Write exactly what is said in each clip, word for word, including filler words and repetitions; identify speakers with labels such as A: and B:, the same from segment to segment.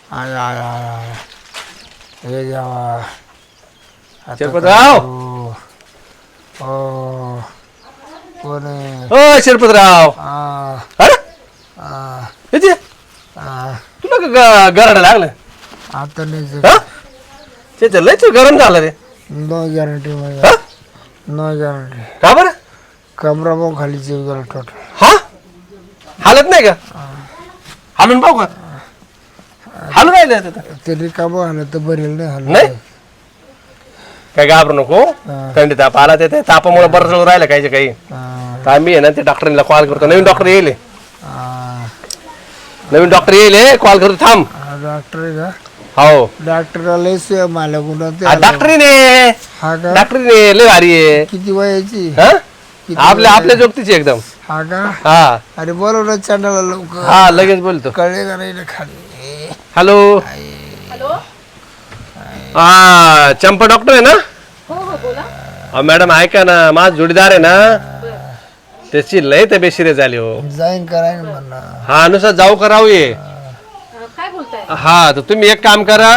A: I I I I हे देवा.
B: शिरपतराव
A: हो कोण आहे?
B: ओ शिरपतराव
A: आ,
B: अरे
A: आ,
B: येते
A: आ,
B: तुला का गराडा लागलं
A: आता नाही
B: हा ते लयच गरम झालं रे
A: नो गॅरंटी
B: हा?
A: No guarantee.
B: का बरं
A: कमरा मग खाली जीव गेला टोटल.
B: हा हालत नाही का हालून पाहू का हालून राहिले आता तर.
A: ते रिकामं आलं तर बरेल नाही आलं
B: नाही काय घाबरू नको थंडी ताप आला ते ते तापामुळे बरं जवळ राहिलं काही काही तर आम्ही आहे ना ते डॉक्टरला कॉल करतो नवीन डॉक्टर येईल नवीन डॉक्टर येईल कॉल करतो थांब
A: डॉक्टर आहे का?
B: हो
A: डॉक्टरला लय मला गुन्हा ते
B: हा, डॉक्टरीने
A: हा का?
B: डॉक्टरीने लय भारी आहे
A: किती वयाची?
B: हा?
A: किती
B: आपल्या
A: वय?
B: आपल्या जोगतीची एकदम
A: हा का?
B: हा
A: अरे बोलव ना चॅनलला लवकर.
B: हा लगेच बोलतो
A: कळले का नाही रे खाली?
B: हॅलो
C: हॅलो
B: हा चंपा डॉक्टर आहे ना
C: हो हो बोला.
B: अहो मॅडम ऐका ना माझ जोडीदार आहे ना त्याची लय तब्येत सिरियस झाली हो
A: जाईन करायन म्हणा.
B: हा नुसार जाऊ करावं ये
C: अं, काय बोलताय?
B: हा तर तुम्ही एक काम करा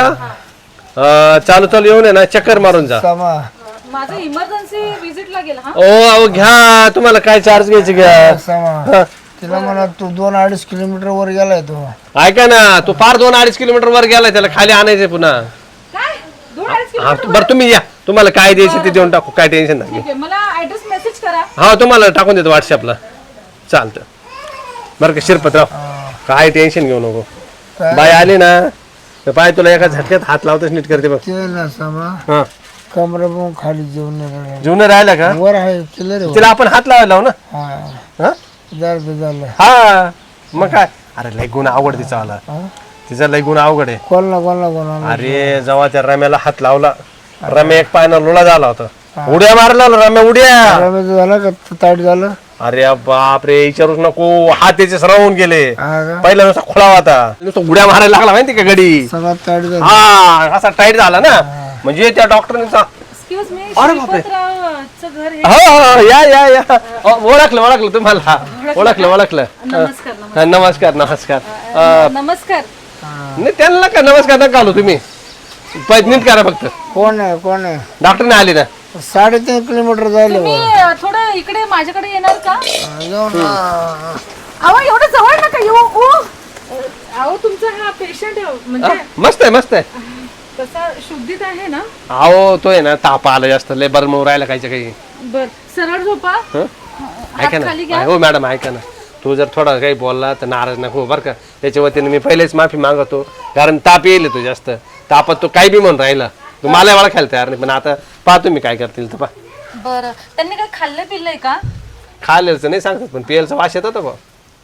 B: अं, चालू चालू येऊन आहे ना चक्कर मारून जा
A: समा
C: माझं इमर्जन्सी विजिटला गेला हा.
B: ओ अहो घ्या तुम्हाला काय चार्ज घ्यायचे घ्या
A: समा
B: हा.
A: तिला म्हणा तू दोन अडीच किलोमीटर वर गेलाय तो.
B: ऐका ना तू फार दोन अडीच किलोमीटर वर गेलाय त्याला खाली आणायचंय पुन्हा
C: काय दोन अडीच
B: हा
C: किलोमीटर
B: बरं तुम्ही या तुम्हाला काय द्यायचं ते देऊन टाकू काय टेन्शन नाही
C: ठीक आहे मला ऍड्रेस मेसेज करा.
B: हा तुम्हाला टाकून देतो व्हॉट्सअपला चालतं बरं का शिरपतराव काय टेन्शन घेऊ नको
A: काय?
B: बाय आली ना तर पाय तुला एका झटक्यात हात लावतच नीट करते बघ
A: ते ना समा
B: हा
A: कमरा मग खाली जेवण नाही राहिलं.
B: जीवन राहिला का
A: वर आहे चिल्लर आहे
B: तिला आपण हात लावायला लावू ना
A: हा
B: हा
A: झालं झालं.
B: हा मग काय अरे लय गुण अवघड तिचा आला
A: हा?
B: तिचा लय गुण अवघड आहे
A: कोणाला कोणाला कोणाला
B: अरे जेव्हा त्या रम्याला हात लावला रम्या एक पायना लोळा झाला होता उड्या मारला रम्या उड्या
A: रमेश झालं का ताट झालं?
B: अरे बाप रे विचारूच नको हात त्याचे सरवून गेले
A: हा का?
B: पहिला नुसता खोळा होता नुसता उड्या मारायला लागला माहिती का गडी
A: सगळं ताट झालं.
B: हा असा टाईट झाला ना म्हणजे त्या डॉक्टरने
C: एक्सक्यूज मी
B: अरे बापरे.
C: श्रीपतरावचं घर हे.
B: हो हो या या या अ, ओळखलं ओळखलं तुम्हाला ओळखलं ओळखलं
C: नमस्कार नमस्कार
B: हा, नमस्कार नमस्कार अ,
C: नमस्कार.
B: नाही त्यांना का नमस्कार नका घालू तुम्ही पै- नीट करा फक्त
A: कोण आहे कोण आहे?
B: डॉक्टरने आली ना
A: साडेतीन किलोमीटर झाले
C: तुम्ही अं, थोडं इकडे माझ्याकडे येणार का?
A: जाऊन ना.
C: अहो एवढं जवळ नका येऊ ओ अं, अहो तुमचा हा पेशंट म्हणजे
B: मस्त आहे मस्त आहे
C: कसा शुद्धीत आहे ना?
B: अहो तो आहे ना ताप आला जास्त लय बरं मग राहिला कायच्या काही
C: बर सरळ झोपा.
B: हं?
C: हात
B: ऐका
C: खाली
B: ना
C: घ्या.
B: हो मॅडम ऐका ना तू जर थोडा काही बोलला तर नाराज नको बरं का त्याच्या वतीने मी पहिलेच माफी मागवतो कारण ताप येईल तो जास्त तापात तो काही बी म्हणून राहिला तू मला वाळा खायला तयार नाही पण आता पाहतो मी काय करतील तर पा
C: बर त्यांनी काय खाल्लं पिल्लंय का?
B: खायलाच नाही सांगतात पण पियलचा वास येतो बा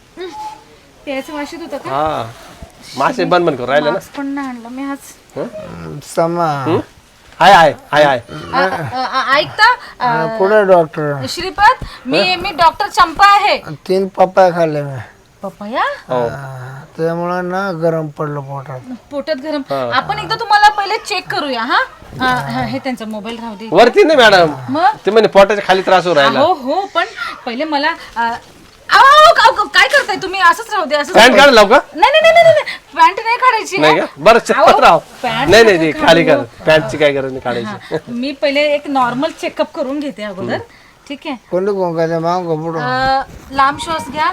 C: त्याचं वाशीत होतं का?
B: हा मासे बंद बंद करून राहिलं ना
C: मास्क पण नाही आणलं मी आज.
A: समा
B: हाय हाय हाय हाय
C: अ, अ, अ, ऐकता अ,
A: कुठे डॉक्टर?
C: श्रीपत मी मी डॉक्टर चंपा आहे.
A: तीन पप्पा खाल्ले मी.
C: पपया
B: हो
A: हा, त्यामुळं ना गरम पडलं पोटात.
C: पोटात गरम. आपण एकदा तुम्हाला पहिले चेक करूया हा हा, हा, हे त्यांचा मोबाईल राहू दे.
B: वरती नाही मॅडम
C: मग
B: ते म्हणे पोटाच्या खाली त्रास होऊ राहिला
C: हो हो पण पहिले मला अ, अहो, अहो, अहो, काय करताय तुम्ही असंच राहू दे असंच
B: पॅन्ट
C: राहू
B: काढ लावू का
C: दे. नाही नाही नाही नाही पॅन्ट नाही काढायची
B: नाही
C: हा.
B: का बरं चप्पत राव
C: पॅन्ट
B: नाही नाही
C: नका
B: ती खाली कर
C: काढू.
B: पॅन्टची काय गरज नाही काढायची
C: हा, मी पहिले एक नॉर्मल चेकअप करून घेते अगोदर ठीक आहे.
A: कोणी कोण काय माग पुढं
C: अ, लांब श्वास घ्या.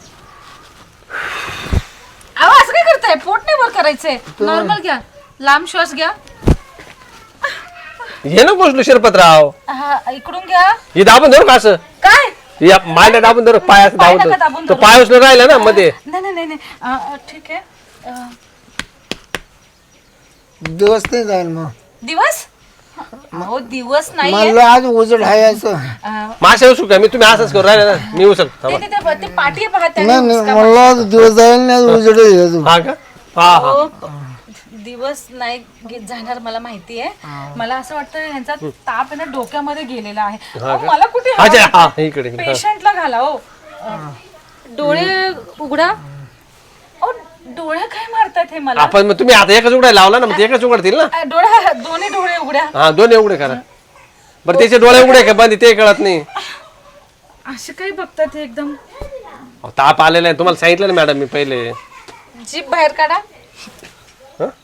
C: अहो असं काय करताय पोट नाही वर करायचंय नॉर्मल घ्या. लांब श्वास घ्या.
B: हे ना पोचलो शिरपतराव
C: हा, इकडून घ्या.
B: हे दाबून धरू का असं
C: काय
B: या मांड्या दाबून धरू पाय असं
C: पाय
B: दाबून
C: नका
B: धरू
C: दाबून
B: तो
C: धरू.
B: पाय उचलून राहिला ना मध्ये
C: नाही नाही नाही नाही. अ, अ, ठीक आहे. अ,
A: दिवस नाही जाईल मग.
C: दिवस हो दिवस नाहीये.
A: म्हणलं आज उजड आहे असं.
C: अ,
B: मासे उचलू का मी तुम्ही असंच करू राहिले ना मी उचल
C: ते- ते- ते- ते पाठी आहे बघा त्याने
A: नाही नाही
C: हुसका
A: म्हणलं आज दिवस जाईल नाही आज उजड आहे अजून.
B: हा का हा हा
C: हो, दिवस नाही गे- जाणार मला माहिती आहे. मला असं वाटतं यांचा ताप आहे ना डोक्यामध्ये गेलेला आहे. अहो, मला कुठे
B: अच्छा हा इकडे इकडे.
C: पेशंटला घाला हो. अ, डोळे उघडा. अहो, डोळे काय मारतात हे मला.
B: आपण मग तुम्ही आता एकच उघडाय लावला ना मग ते एकच उघडतील ना
C: अ, डोळा दोन्ही डोळे उघड्या.
B: हा दोन्ही उघडे करा बरं त्याचे डोळे उघडे का बंद ते कळत नाही
C: असे काय बघतात हे एकदम.
B: अहो, ताप आलेला आहे तुम्हाला सांगितलं ना मॅडम मी पहिले
C: जीभ बाहेर काढा.
B: हं?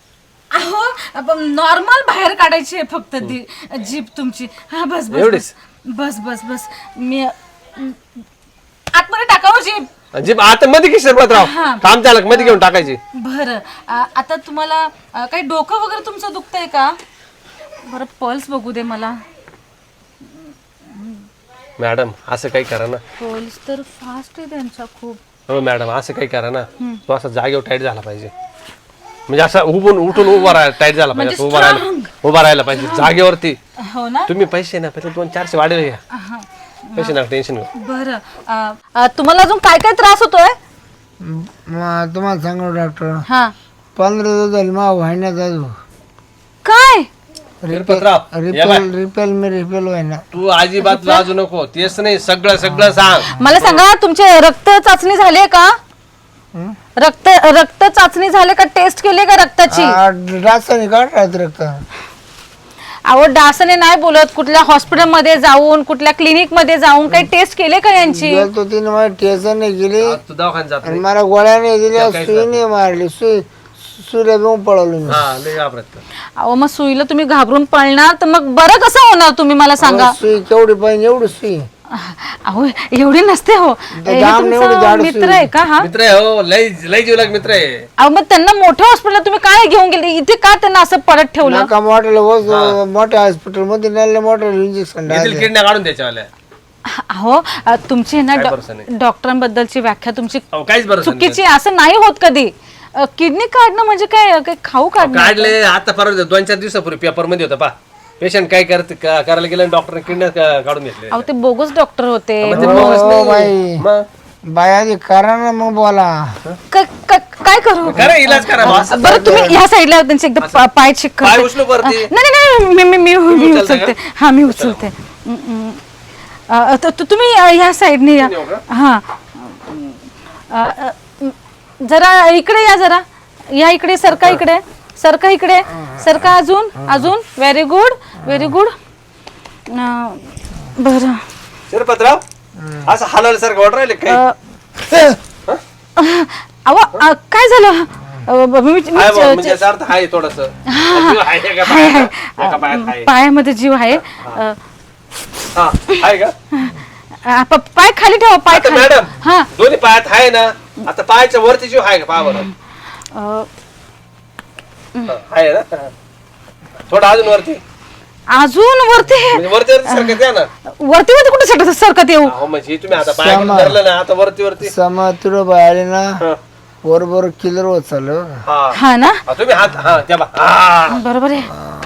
C: अहो नॉर्मल बाहेर काढायची आहे फक्त ती जीप तुमची. हा बस बस
B: एवढीच?
C: बस बस बस मी आतमध्ये टाकावं जीप.
B: जीप आता मध्ये की शिरपतराव काम चालक मध्ये घेऊन टाकायची.
C: बरं आ- आता तुम्हाला अ, काही डोकं वगैरे तुमचं दुखतंय का? बरं पल्स बघू दे मला.
B: मॅडम असं काही करा ना.
C: पल्स तर फास्ट आहे त्यांचा खूप.
B: हो मॅडम असं काही करा ना. तो असा जागेवर टाईट झाला पाहिजे, म्हणजे असा उभून उठून उभा राहायला टाईट झाला पाहिजे. असं उभा राहायला उभा राहायला पाहिजे जागेवरती.
C: हो ना.
B: तुम्ही पैसे ना पहिले दोन चारशे वाढेल घ्या. पैसे ना टेन्शन घेऊ.
C: बरं अ, अ, तुम्हाला अजून काय काय त्रास होतोय?
A: मग तुम्हाला सांगू डॉक्टर,
C: हा
A: पंधरा दिवस झाले मा व्हायना जाऊ.
C: काय?
B: शिरपतराव या बाय.
A: रिपेल रिपेल मी रिपेल व्हायना.
B: तू अजिबात लाजू नको. तेच नाही सगळं सगळं सांग.
C: मला सांगा तुमचे रक्त चाचणी झाली का? रक्त रक्त चाचणी झाले का? टेस्ट केली का रक्ताची?
A: रासायनिक काढ रक्त.
C: अहो डासने नाही बोलत. कुठल्या हॉस्पिटलमध्ये जाऊन कुठल्या क्लिनिक मध्ये जाऊन काही टेस्ट केले का यांची?
A: गेलतो तिने मला टेन्शन नाही गेली
B: तू दवाखान्यात जात
A: आणि
B: नाही.
A: मला गोळ्या नाही दिल्या, सुई नाही मारली, सुई सुऱ्या घेऊन पळवली मी.
B: हा लय घाबरत.
C: अहो मग सुईला तुम्ही घाबरून पळणार तर मग बरं कसं होणार तुम्ही मला सांगा.
A: सुई केवढी पाहिजे एवढी सुई.
C: अहो एवढी नसते हो. हे
A: दाम एवढी
C: तुमचा
A: जाड
C: मित्र
A: सुई.
C: आहे का हा?
B: मित्र आहे हो, लय लय जीवलग मित्र आहे.
C: अहो मग त्यांना मोठ्या हॉस्पिटलला तुम्ही काय घेऊन गेले? इथे का त्यांना असं पडत ठेवलं?
A: नका मोठ्या मोठ्या हॉस्पिटल मध्ये नेले, मोठं इंजेक्शन
B: येथील किडण्या काढून द्यायच्या.
C: अहो अ, तुमची आहे ना
B: काय
C: डॉ-
B: भरोसा नाही.
C: डॉक्टरांबद्दलची व्याख्या तुमची
B: अहो काहीच बरं
C: चुकीची आहे. असं नाही होत कधी. किडनी काढणं म्हणजे काय काय खाऊ काढणं?
B: काढले आता परत दोन चार दिवसापूर्वी पेपर मध्ये होतं पा. पेशंट काय करत का- करायला गेलं डॉक्टर किडण्या का- काढून घेतले.
C: अहो ते बोगस डॉक्टर होते.
B: मग ते बोगस
A: हो
B: नाही.
A: बाई,
B: मग
A: बाया करा ना मग बोला.
C: क- क- काय करू?
B: खरं इलाज करा बा. असं
C: बरं तुम्ही ह्या साईडला त्यांचे एकदा पा- पाय चेक
B: पाय
C: करते.
B: उचलू वरती.
C: नाही नाही नाही, मी मी मी मी
B: उचलता
C: उचलते. हा मी उचलते. हम्म, हम्म. अ, त- त- तुम्ही अ, ह्या साईडने या.
B: येऊ का?
C: हा अ, अ, जरा इकडे या. जरा या इकडे. सरका इकडे. सरका इकडे. सरका अजून अजून. Very good very good. बरं
B: शिरपतराव असं हलाल सारखं वाट राहिले काय.
C: अ, अहो अ, काय झालं? अ, ब- मी- मी-
B: हाय बा, म्हणजे याचा अर्थ आहे थोडस.
C: हाय, हाय. पायामध्ये जीव आहे. अ,
B: आहे का
C: अ, प- पाय खाली ठेवा. पाय
B: आता
C: खाली.
B: मॅडम
C: हा
B: दोन्ही पायात आहे ना. आता पायाच्या वरती जीव आहे का पहा बरं.
C: अ,
B: हा, आहे ना. थोडं अजून वरती
C: अजून वरती
B: म्हणजे वरती वरती सारखं द्या ना.
C: वरती वरती कुठे सरकत सरकत येऊ?
B: अहो म्हणजे तुम्ही आता पायाकडे धरलं ना आता वरती वरती.
A: समा तुला बाहेर ना
B: हा.
A: बरोबर किलर होत चाललं.
B: हा
C: हा ना
B: हा, तुम्ही हात हा त्या बा. हा.
C: बरोबर आहे.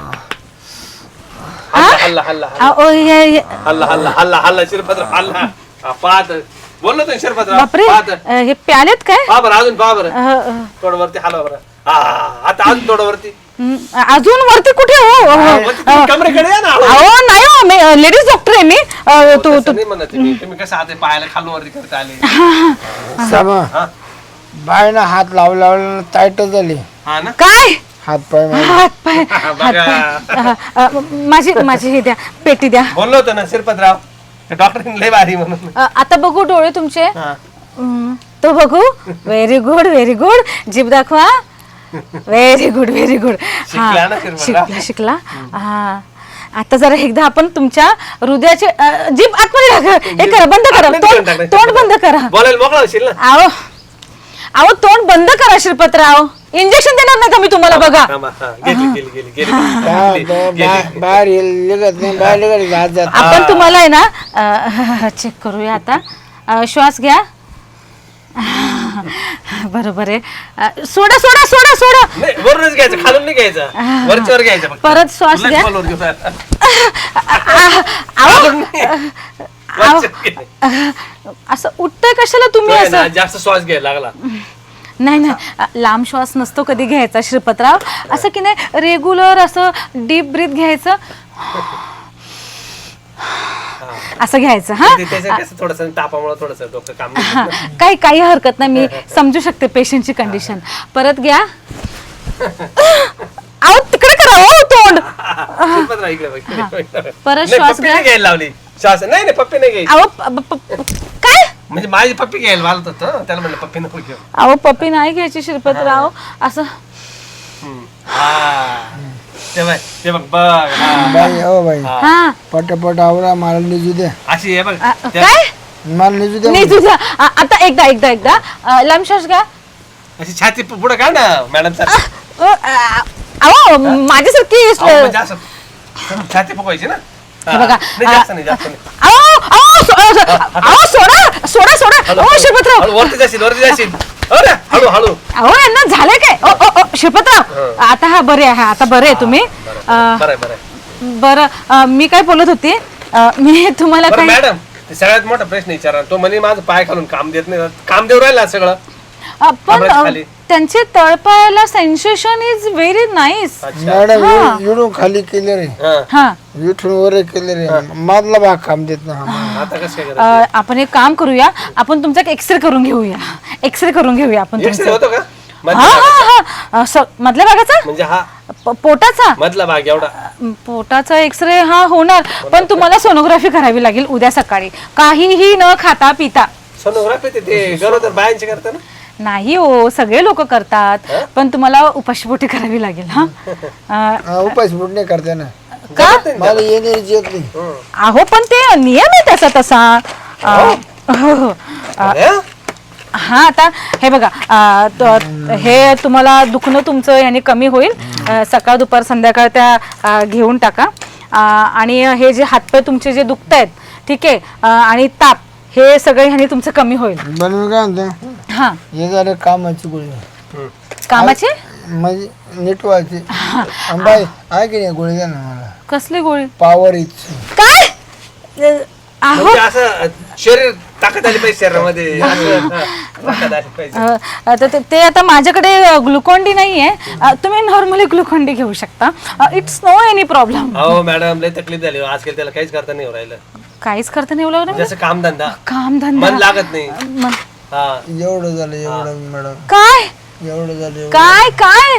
B: हल्ला हल्ला हल्ला
C: अहो, हे- हे-
B: हल्ला हल्ला हल्ला हल्ला शिरपतराव हल्ला. हा, पाहत बोललो तुम्ही शिरपतराव
C: बापरे
B: पाहत
C: अ, हे प्यालेत काय?
B: पहा बरं अजून पहा बरं.
C: अ, अ,
B: थोडं वरती हलवा बरं. हा आता अजून थोडं वरती.
C: हं, अजून वरती कुठे हो? अ,
B: वरती तुम्ही कमरेकडे या ना.
C: अहो नाही हो, मी लेडीज डॉक्टर आहे मी. अ, तू
B: तसं नाही म्हणत तुम्ही. तुम्ही कसं हात पायाला खालून वरती करता आले.
A: समा
B: हा
A: बायना हात लावला लावला टाईट झाली.
B: हा ना.
C: काय?
A: हात पाय माझे.
C: हात पाय
B: बघा.
C: अ, अ, माझी माझी हे द्या. पेटी द्या.
B: बोललो होतो ना शिरपतराव डॉक्टरने लय भारी म्हणून.
C: अ, आता बघू डोळे तुमचे.
B: हा.
C: हं, तो बघू. Very good very good. जीभ दाखवा. Very good very good.
B: शिकला ना शिरपतराव?
C: शिकला शिकला. हा आता जरा एकदा आपण तुमच्या हृदयाचे अ, जीभ आतमध्ये टाका. हे करा बंद करा.
B: आतमध्ये
C: तोंड
B: टाकलंय.
C: तोंड बंद करा.
B: बोलायला मोकळा होशील ना.
C: आहो अहो तोंड बंद करा श्रीपतराव. इंजेक्शन देणार नाही का मी तुम्हाला? बघा
B: थांबा, हा, गेली गेली गेली गेली
A: बा-
B: गेली,
A: बा-
B: गेली.
A: बा- बाहेर येईल- निघत नाही बाहेर निघत हात जात.
C: आपण तुम्हाला आहे ना चेक करूया आता. अ, श्वास घ्या. बरोबर आहे. अ, सोडा सोडा सोडा सोडा.
B: नाही वरूनच घ्यायचं खालून नाही घ्यायचं. वरच्यावर घ्यायचं फक्त.
C: परत श्वास
B: लय
C: घ्या.
B: खोलवर घेऊ नका.
C: अहो
B: खालून नाही. वरच्यावर घे.
C: अ, असं उठतंय कशाला तुम्ही
B: नाही ना,
C: असं?
B: जास्त श्वास घ्यायला लागला.
C: नाही नाही अ, लांब श्वास नसतो कधी घ्यायचा श्रीपतराव. असं की नाही रेग्युलर असं डीप ब्रीथ घ्यायचं. असं घ्यायचं. हा
B: ते त्याचं कसं थोडंसं तापामुळे थोडंसं डोकं काम नाही
C: हा,
B: करत.
C: काही काही हरकत नाही. मी समजू शकते पेशंटची कंडिशन. परत घ्या. अहो तिकडे करा हो तोंड.
B: शिरपतराव इकडे बघ, इकडे बघ, इकडे बघ.
C: परत
B: नाही,
C: श्वास
B: पप्पी
C: घ्या.
B: नाही घ्यायला लावली. श्वास नाही नाही पप्पी नाही घ्यायची.
C: अहो प- प- प- काय?
B: म्हणजे माझी पप्पी घ्यायला वालत होतं त्याला म्हणलं पप्पी नको घेऊ.
C: अहो पप्पी नाही घ्यायची श्रीपतराव. असं
B: ते बघ ते बघ बघ हा.
A: बाई हो बाई
C: हा
A: पटापट आवरा मला निजू द्या
B: अशी आहे बघ
C: अ,
B: त्या-
C: काय
A: मला निजू द्या
C: नाही तुझा आ- आता एकदा एकदा एकदा अ, लांबश्वास घ्या.
B: अशी छाती पुढे काढ ना मॅडम सर
C: अ, अ, अहो माझ्यासारखी
B: म्हणजे असं छाती फुगवायची ना हा.
C: हे बघा,
B: नाही जास्त नाही जास्त नाही
C: अहो अहो सो- अहो सोडा सोडा सोडा
B: हळू,
C: अहो
B: हळू,
C: शिरपतराव
B: हळू, वरती जाशील वरती जाशील अरे हळू हळू
C: अहो यांना झालंय काय ओ ओ, ओ शिरपतराव आता हा बरे आहे आता बरे आहे तुम्ही अ,
B: बरं आहे, बरं आहे.
C: बरं अ, मी काय बोलत होती अ, मी तुम्हाला
B: बरं
C: काय
B: मॅडम ते सगळ्यात मोठा प्रश्न विचारा तो म्हणे माझं पाय खालून काम देत नाही काम देऊ राहिला सगळं
C: अ, पण
B: कमरेच्या
C: अ,
B: खाली.
C: त्यांचे तळपायाला सेन्सेशन इज व्हेरी नाईस
B: अच्छा
A: मॅडम
C: हा.
A: इडून खाली केले रे
B: हा.
C: हा
A: इथून वर केले रे मधला भाग काम देत ना
B: आता कसं काय
C: अ,
B: करायचं
C: आपण एक काम करूया आपण तुमचा एक्सरे करून घेऊया एक्सरे करून घेऊया आपण
B: एक्सरे
C: तुमचा
B: होतो का
C: हा
B: मधल्या भागाचा?
C: हा हा स- मधल्या भागाचा
B: म्हणजे हा
C: प- पोटाचा
B: मधला भाग एवढा
C: पोटाचा एक्सरे हा होणार पण तुम्हाला सोनोग्राफी करावी लागेल उद्या सकाळी काहीही न खाता पिता
B: सोनोग्राफी ते- ते गरोदर बायांची करता ना
C: नाही हो सगळे लोक करतात पण तुम्हाला उपाशीपोटी करावी लागेल हा अ,
A: उपास फूट नाही करते ना
C: का
A: मला येण्याची येत नाही
C: अहो पण ते नियम आहे त्याचा तसा अ, हो, हो.
B: अरे?
C: हा आता हे बघा अ, त- हे तुम्हाला दुखणं तुमचं याने कमी होईल अ, सकाळ दुपार संध्याकाळ त्या अ, घेऊन टाका अ, आणि हे जे हातपाय तुमचे जे दुखत आहेत ठीक आहे अ, आणि ताप हे सगळे ह्याने तुमचं कमी होईल
A: पण मी काय म्हणतो
C: हा
A: हे झालं कामाची गोळी
B: हम्म.
C: कामाचे
A: म्हणजे नीट व्हायची बाई आहे की नाही गोळी द्या ना मला
C: कसली गोळी
A: पॉवर इच
C: काय अ, अहो
B: म्हणजे असं शरीर ताकद आली पाहिजे शरीरामध्ये असं, हा, ताकद आली पाहिजे
C: अ, आता ते- ते आता माझ्याकडे ग्लुकॉन डी नाहीये अ, तुम्ही नॉर्मली ग्लुकॉन डी घेऊ शकता इट्स नो एनी प्रॉब्लेम
B: हो मॅडम लय तकलीफ झाली आजकाल त्याला काहीच करता नाही राहिलं
C: काहीच करता नाही येऊ लागलं
B: जसं काम धंदा
C: काम धंदा
B: मन लागत नाही
C: मन-
B: हा
A: एवढं झालं एवढं मॅडम
C: काय
A: एवढं झालं एवढं.
C: काय काय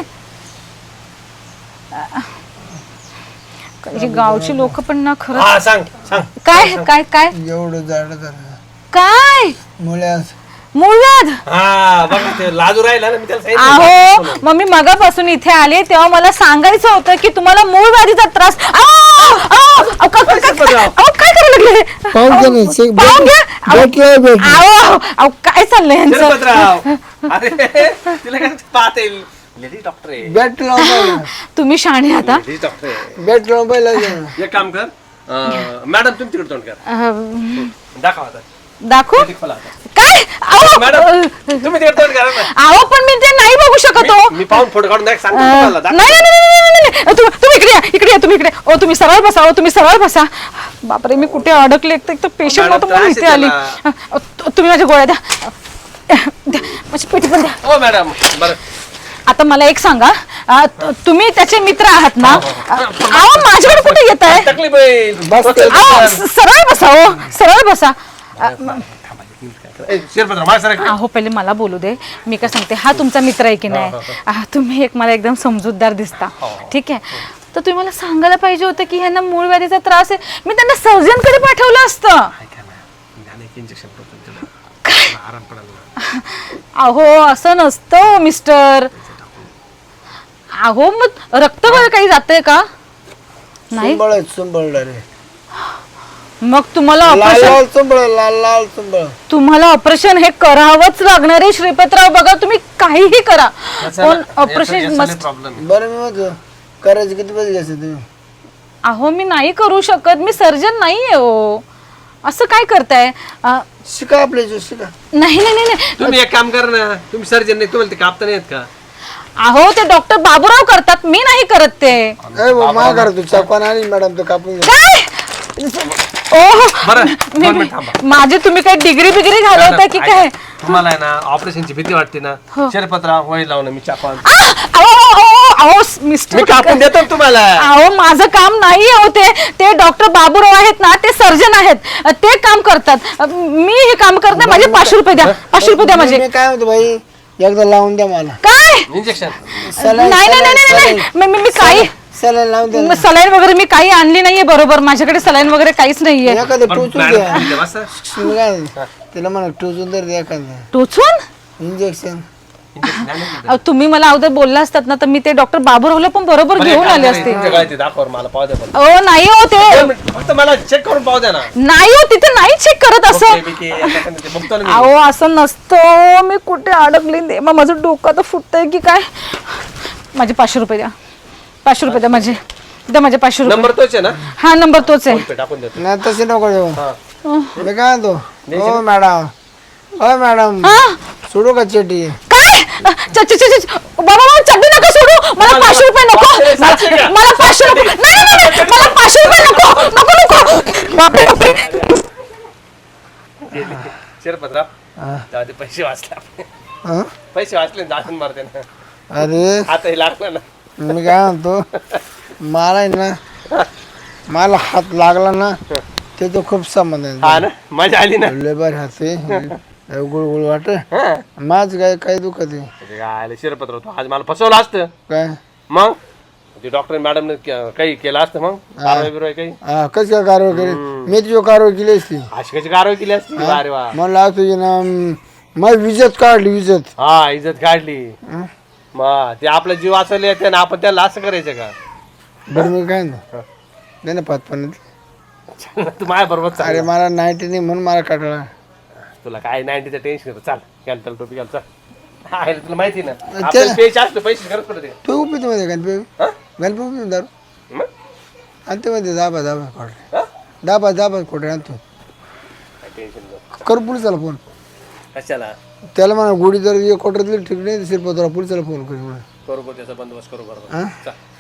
C: ही गावची लोक पण ना खरं
B: हा सांग सांग
C: काय काय काय
A: एवढं झाड झालं
C: काय
A: मुळ्यास
C: मूळव्याध
B: हा बघा ते लाजू राहिला ना मी त्याला सांगितलं
C: अहो मग मी मगापासून इथे आले तेव्हा मला सांगायचं होतं की तुम्हाला मूळ व्याधीचा त्रास आहो, आहो, अहो, का- का- का- अहो, काय करायला लागले
A: पाहून घ्या ना, चेक
C: पाहून घ्या. अहो,
A: भेटलं भेटलं
C: अहो, अहो, काय चाललंय यांचं
B: शिरपतराव अरे तिला काय पाहता येईल लेडीज डॉक्टर आहे
A: बॅट लावून पाहिलं
C: तुम्ही शाणे आता
B: लेडीज डॉक्टर आहे
A: बॅट लावून पाहिलं
B: एक काम कर अं, मॅडम तुम्ही तिकडे तोंड कर
C: अह,
B: दाखवा आता
C: दाखवू
B: ते खोला आता.
C: काय अहो,
B: मॅडम
C: अह,
B: तुम्ही तिकडे तोंड करा ना
C: अहो पण मी ते नाही बघू शकत हो
B: मी पाहून फोटो काढून दाख- सांगतो
C: अह,
B: तुम्हाला
C: नाही
B: दाखवा.
C: नाही नाही, नाही, नाही, नाही. तु- तुम्ही इकडे या इकडे या तुम्ही इकडे ओ तुम्ही सरळ बसा ओ तुम्ही सरळ बसा बापरे मी कुठे अडकले एक तर- एक तर पेशंट
B: मॅडम,
C: नव्हतं म्हणून
B: त्रास
C: इथे
B: आहे
C: आली
B: त्याला.
C: अह, तु- तुम्ही माझ्या गोळ्या द्या द्या. माझी पेटी पण द्या
B: हो मॅडम बरं
C: आता मला एक सांगा अह, तु- तुम्ही त्याचे मित्र आहात ना अह, अहो माझ्याकडे कुठे येत आहे
B: तकलीफ होईल
A: बस
B: डोक्याला
C: अहो
B: दुखतं.
C: स- सरळ बसा हो सरळ बसा अह,
B: ए, शिरपतराव माझ्या सारखं
C: अहो पहिले मला बोलू दे मी काय सांगते हा तुमचा मित्र आहे की नाही आह, तुम्ही एक मला एकदम समजूतदार दिसता ठीक आहे तर तुम्ही मला सांगायला पाहिजे होतं की ह्यांना मूळ व्याधीचा त्रास आहे मी त्यांना सर्जन कडे पाठवलं असतं
B: ऐका ना मी एक इंजेक्शन करतो तुला आराम पडायला
C: अहो असं नसतं मिस्टर अहो मग रक्त वगैरे काही जातंय का नाही
A: चुंबळ चुंबळ रे
C: मग तुम्हाला
A: लाल
C: ऑपरेशन
A: लाल चुंबळ लाल लाल चुंबळ
C: तुम्हाला ऑपरेशन हे करावंच लागणार आहे श्रीपतराव बघा तुम्ही काहीही करा पण ऑपरेशन मस्ट
B: प्रॉब्लेम
A: बरं मी म्हणतो करायचे किती पैसे घ्यायचे तुम्ही
C: अहो मी नाही करू शकत मी सर्जन नाहीये हो असं काय करताय अ,
A: शिका आपल्या इथे शिका
C: नाही नाही नाही नाही.
B: तुम्ही एक काम करा ना तुम्ही सर्जन नाही तुम्हाला ते कापता नाही येत का
C: अहो ते डॉक्टर बाबूराव करतात मी नाही करत ते
A: ए भाऊ मा करा तू चकवान आणि मॅडम तो कापून घ्या
C: काय ओह
B: बरं
C: मी-
B: दोन
C: मी-
B: मिनिट थांबा
C: माझी तुम्ही काय डिग्री बिग्री घालवताय की काय
B: तुम्हाला आहे ना ऑपरेशनची भीती वाटते ना शिरपतराव वय लावून मी चाकून
C: आ, अहो, अहो, अहो, अहो, मिस्टर
B: मी कापून देतो ना तुम्हाला
C: अहो माझं काम नाही हो ते ते डॉक्टर बाबूराव आहेत ना ते सर्जन आहेत ते काम करतात मी हे काम करते माझे पाचशे रुपये द्या पाचशे रुपये द्या माझे
A: मी काय म्हणतो भाई एकदा लावून द्या मला
C: काय
B: इंजेक्शन
C: नाही नाही नाही नाही, नाही मी- मी मी काही
A: सलाईन लावून द्या
C: सलाईन वगैरे मी काही आणली नाहीये बरोबर माझ्याकडे सलाईन वगैरे काहीच नाहीये
A: एखादं टोचून द्या
B: बसा
A: मी काय म्हणतो, तिला म्हणा टोचून तर द्या एखादं
C: टोचून
A: इंजेक्शन
B: इंजेक्शन आणलं का?
C: अहो, तुम्ही मला अगोदर बोलला असतात ना तर मी ते डॉक्टर बाबूरावला पण बरोबर
B: बरं,
C: घेऊन
B: एक काम
C: आले
B: करा,
C: असते.
B: तुमच्या गळ्यात ते दाखवा मला पाहू द्या पण.
C: अहो नाही हो ते
B: दोन मिनिट, फक्त मला चेक करून पाहू द्या ना.
C: नाही हो तिथे नाही चेक करत असं.
B: ओके, बिके, आता काय नाही, ते बघतो ना मी.
C: अहो असं नसतं. मी कुठे अडकली दे मग माझं डोकं तर फुटतंय की काय. माझे पाचशे रुपये द्या. पाचशे रुपये द्या माझे. द्या माझे पाचशे रुपये.
B: नंबर तोच आहे ना?
C: हा नंबर तोच आहे.
B: फोन पे टाकून देतो.
A: नाही तसे नको देऊ.
B: हा.
A: मी काय म्हणतो हो मॅडम हो मॅडम
C: हा
A: सोडू का चेटी?
C: काय च- च- च- च- बाबा बाबा चड्डी नका सोडू. मला पाचशे रुपये नको.
B: पाचशे, सातशे घ्या.
C: मला पाचशे रुपये नाही नाही, नाही मला पाचशे रुपये नको नको नको. बापरे बापरे.
B: शिरपतराव
A: हा.
B: जाऊ दे, पैसे वाचले आपले.
A: हं?
B: पैसे वाचले ना, जाऊन मारते ना.
A: अरे
B: आता लागलं ना.
A: मी काय म्हणतो मला आहे ना मला हात लागला ना त्याचं खूप संबंध
B: हा
A: आहे.
B: ना, मजा आली ना.
A: लेबर हाते गुळ गुळ वाट
B: हा.
A: माझ काय काय दुखत आहे
B: अरे काय शिरपतराव, तू आज मला फसवलं असतं
A: काय
B: मग. ते डॉक्टर मॅडमने काही केलं असतं मग, कारवाई बिरवाई काही.
A: हा कशी काय कारवाई केली मी तुझी कारवाई केली असती.
B: अशी कशी कारवाई केली असती. अरे वा.
A: मला तुझी ना माझी विजत काढली विजत.
B: हा, इज्जत काढली. मग ते आपला जीव वाचवले येते ना, आपण त्याला असं करायचं का?
A: बरं मी काय म्हणतो नाही ना पाच पण
B: तू माझ्या बरोबर चाल.
A: अरे मला नाईन्टी नाही म्हणून मला काढला.
B: तुला काय नाईन्टीचं टेन्शन येतं. चाल कॅन्सल टोपी घाल चाल. आहे ना, तुला माहिती ना आपल्याला पेच असतं, पैसे गरज पडते.
A: तू पितो मध्ये गणपती
B: हा?
A: गणपती दारू
B: मग?
A: आणते मध्ये दाबा दाबा खोटे
B: हा?
A: दाबा दाबा खोटे आणतो.
B: काय टेन्शन नको.
A: कर पोलिसाला फोन.
B: कशाला
A: त्याला म्हणा गोडी जर एक क्वार्टर दिली ठीक नाही शिरपतराव पोलिसाला फोन करू म्हणा.
B: करू बघ, त्याचा बंदोबस्त करू बरोबर.
A: हा?
B: चल.